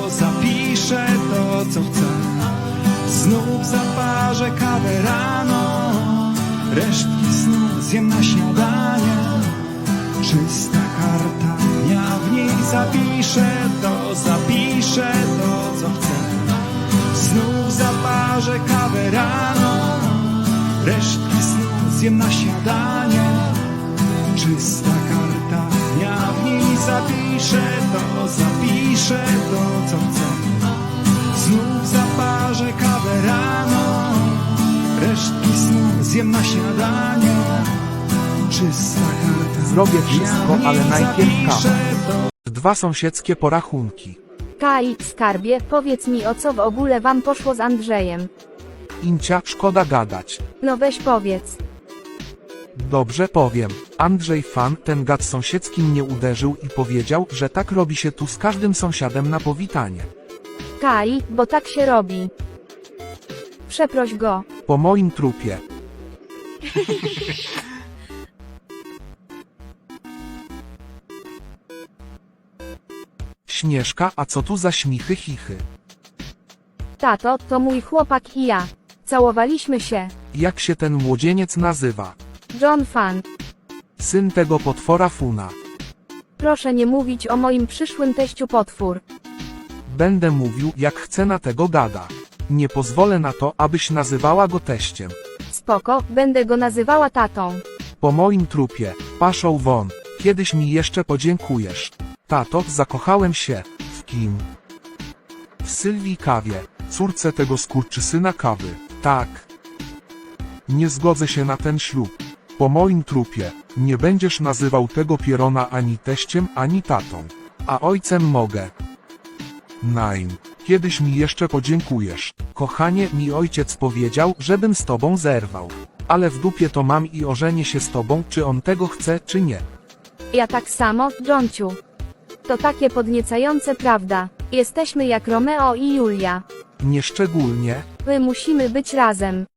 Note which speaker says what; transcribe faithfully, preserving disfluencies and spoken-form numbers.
Speaker 1: zapiszę to, co chcę. Znów zaparzę kawę rano, resztki snu zjem na śniadanie. Czysta karta dnia, w niej zapiszę to, zapiszę to, co chcę. Znów zaparzę kawę rano, resztki snu zjem na śniadanie. Czysta karta dnia, w niej zapiszę to, zapiszę to, co chcę. Znów zaparzę kawę rano, resztki snu zjem na śniadanie. Czysta karta.
Speaker 2: Zrobię wszystko,
Speaker 1: dnia,
Speaker 2: ale najpierw
Speaker 1: zapiszę
Speaker 2: kawę.
Speaker 1: to.
Speaker 2: Dwa sąsiedzkie porachunki.
Speaker 3: Kai, skarbie, powiedz mi, o co w ogóle wam poszło z Andrzejem.
Speaker 2: Incia, szkoda gadać.
Speaker 3: No weź powiedz.
Speaker 2: Dobrze powiem. Andrzej fan, ten gad sąsiedzki mnie uderzył i powiedział, że tak robi się tu z każdym sąsiadem na powitanie.
Speaker 3: Kai, bo tak się robi. Przeproś go.
Speaker 2: Po moim trupie. Śnieżka, a co tu za śmichy chichy?
Speaker 3: Tato, to mój chłopak i ja. Całowaliśmy się.
Speaker 2: Jak się ten młodzieniec nazywa?
Speaker 3: John Fan.
Speaker 2: Syn tego potwora Funa.
Speaker 3: Proszę nie mówić o moim przyszłym teściu potwór.
Speaker 2: Będę mówił, jak chcę na tego gada. Nie pozwolę na to, abyś nazywała go teściem.
Speaker 3: Spoko, będę go nazywała tatą.
Speaker 2: Po moim trupie, paszą won, kiedyś mi jeszcze podziękujesz. Tato, zakochałem się. W kim? W Sylwii Kawie, córce tego skurczysyna Kawy. Tak. Nie zgodzę się na ten ślub. Po moim trupie, nie będziesz nazywał tego pierona ani teściem, ani tatą. A ojcem mogę. Nein. Kiedyś mi jeszcze podziękujesz. Kochanie, mi ojciec powiedział, żebym z tobą zerwał. Ale w dupie to mam i ożenię się z tobą, czy on tego chce, czy nie.
Speaker 3: Ja tak samo, Johnciu. To takie podniecające, prawda? Jesteśmy jak Romeo i Julia.
Speaker 2: Nieszczególnie.
Speaker 3: My musimy być razem.